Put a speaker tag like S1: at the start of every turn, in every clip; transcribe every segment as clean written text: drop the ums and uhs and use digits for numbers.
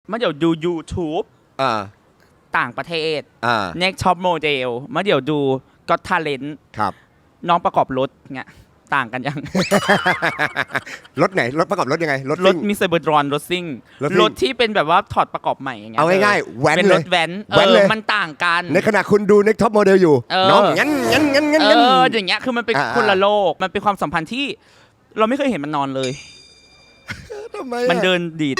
S1: มาเดี๋ยวดู YouTube ต่างประเทศNext Top Model มาเดี๋ยวดู Got Talent
S2: ครับ
S1: น้องประกอบรถเงี้ยต่างกันยัง
S2: รถไหนรถประกอบรถยังไง
S1: รถมิสเตอร์เบอร์ดรอนรถซิ่งรถที่เป็นแบบว่าถอดประกอบใหม่อย่างเงี้ย
S2: เอาง่ายๆแว้น
S1: เป็นรถแว้นมันต่างกัน
S2: ในขณะคุณดู Next Top Model อยู่น้องงั้น
S1: อย่างเงี้ยคือมันเป็นคนละโลกมันเป็นความสัมพันธ์ที่เราไม่เคยเห็นมันนอนเลยมันเดินดีด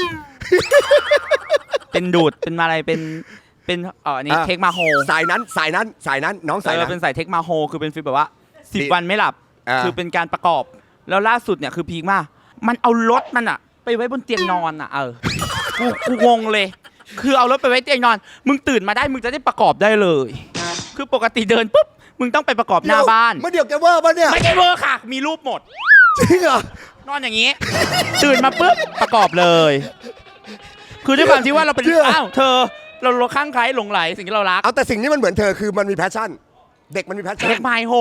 S1: เป็นดูดเป็นอะไรเป็นนี่เทคมาโฮ
S2: สายนั้นน้องสายนั้น
S1: เป็นสายเทคมาโฮคือเป็นฟีลแบบว่า10 วันไม่หลับคือเป็นการประกอบแล้วล่าสุดเนี่ยคือพีคมากมันเอารถมันอะไปไว้บนเตียงนอนอะกูงงเลยคือเอารถไปไว้เตียงนอนมึงตื่นมาได้มึงจะได้ประกอบได้เลยคือปกติเดินปุ๊บมึงต้องไปประกอบหน้าบ้าน
S2: ไม่เดี๋ยวแกเวอร์ป่ะเนี่ย
S1: ไม่ได้เวอร์ค่ะมีรูปหมด
S2: จริงเหรอน
S1: อนอย่างนี้ตื่นมาปุ๊บประกอบเลยคือด้วยความที่ว่าเราเป็นอ้าวเธอเราข้างใครหลงไหลสิ่งที่เรารัก
S2: เอาแต่สิ่งนี้มันเหมือนเธอคือมันมีแพชชั่นเด็กมันมีแพชชั่น
S1: เทคไมโฮ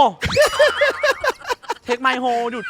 S1: เทคไมโฮดุด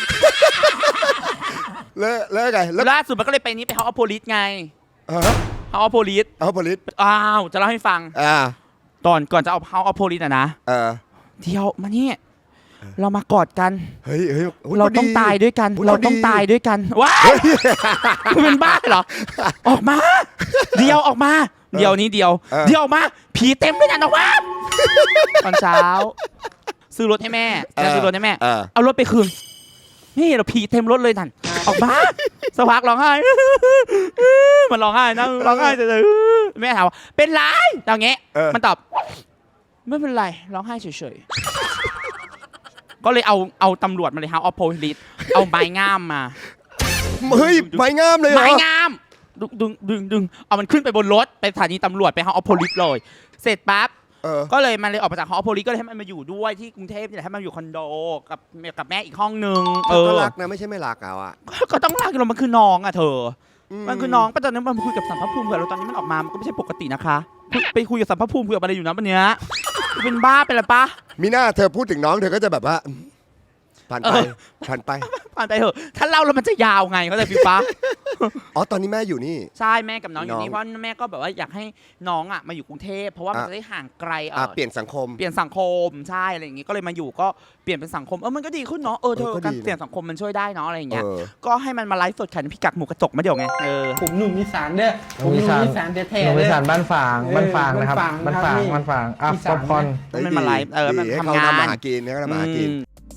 S2: แล้วไง
S1: ล่าสุดมันก็เลยไปนี้ไปเฮาส์ออฟโพลิสไงเฮาส์ออฟโพลิสจะเล่าให้ฟังก่อนจะเอาเฮาส์ออฟโพลิสนะเที่ยวมานี่เรามากอดกัน
S2: เฮ้ย
S1: เราต้องตายด้วยกันเราต้องตายด้วยกันว้ายคุณเป็นบ้าเหรอออกมาเดียวออกมาเดียวนี้เดียวออกมาผีเต็มเลยนะออกมาตอนเช้าซื้อรถให้แม่ซื้อรถให้แม่เอารถไปคืนนี่เราผีเต็มรถเลยนั่นออกมาสักพักร้องไห้มันร้องไห้นะร้องไห้แต่แม่ถามว่าเป็นไรอย่างเงี้ยมันตอบไม่เป็นไรร้องไห้เฉยๆก็เลยเอาตำรวจมาเลยฮะเอาโพลิสเอาไม้งามมา
S2: เฮ้ยไม้งามเลยเหรอ
S1: ไม้งามดึงเอามันขึ้นไปบนรถไปสถานีตำรวจไปฮะเอาโพลิสเลยเสร็จปั๊บก็เลยมันเลยออกมาจากฮอโพลิสก็เลยให้มันมาอยู่ด้วยที่กรุงเทพนี่แหละให้มันอยู่คอนโดกับแม่อีกห้องนึง
S2: ก็รักนะไม่ใช่ไม่รักเอาอะ
S1: ก็ต้องรักเรามันคือน้องอะเธอมันคือน้องตอนนั้นมันคุยกับสัมภภูมิเผื่อเราตอนนี้มันออกมามันก็ไม่ใช่ปกตินะคะไปคุยกับสัมภภูมิเผื่ออะไรอยู่นะวันเนี้ยเป็นบ้าไปแล้วปะ
S2: มีหน้าเธอพูดถึงน้องเธอก็จะแบบว่าผ่านไป
S1: เถอะถ้าเล่าแล้วมันจะยาวไงเขาใจฟิวปะ
S2: ตอนนี้แม่อยู่นี่
S1: ใช่แม่กับน้องอยู่นี่เพราะแม่ก็แบบว่าอยากให้น้องอ่ะมาอยู่กรุงเทพเพราะว่ามันจะได้ห่างไกล
S2: เปลี่ยนสังคม
S1: ใช่อะไรอย่างงี้ก็เลยมาอยู่ก็เปลี่ยนเป็นสังคมมันก็ดีขึ้นเนาะเธอการเปลี่ยนสังคมมันช่วยได้เนาะอะไรอย่างเงี้ยก็ให้มันมาไลฟ์สดขายพิกักหมูกระจกมาเดี๋ยวไง
S3: ผมหนุ่มอีสานเด้อผมหนุ่มอีสานแท้ๆหนุ่มอีสานบ้านฝางนะครับบ้านฝางป๊อปคอร์น
S1: มันมาไลฟ์มันทำงาน
S2: มาหากินให้เขามาหากิน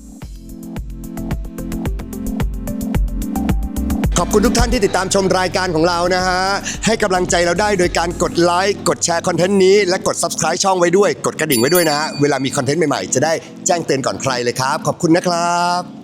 S2: ขอบคุณทุกท่านที่ติดตามชมรายการของเรานะฮะให้กำลังใจเราได้โดยการกดไลค์กดแชร์คอนเทนต์นี้และกด Subscribe ช่องไว้ด้วยกดกระดิ่งไว้ด้วยนะเวลามีคอนเทนต์ใหม่ๆจะได้แจ้งเตือนก่อนใครเลยครับขอบคุณนะครับ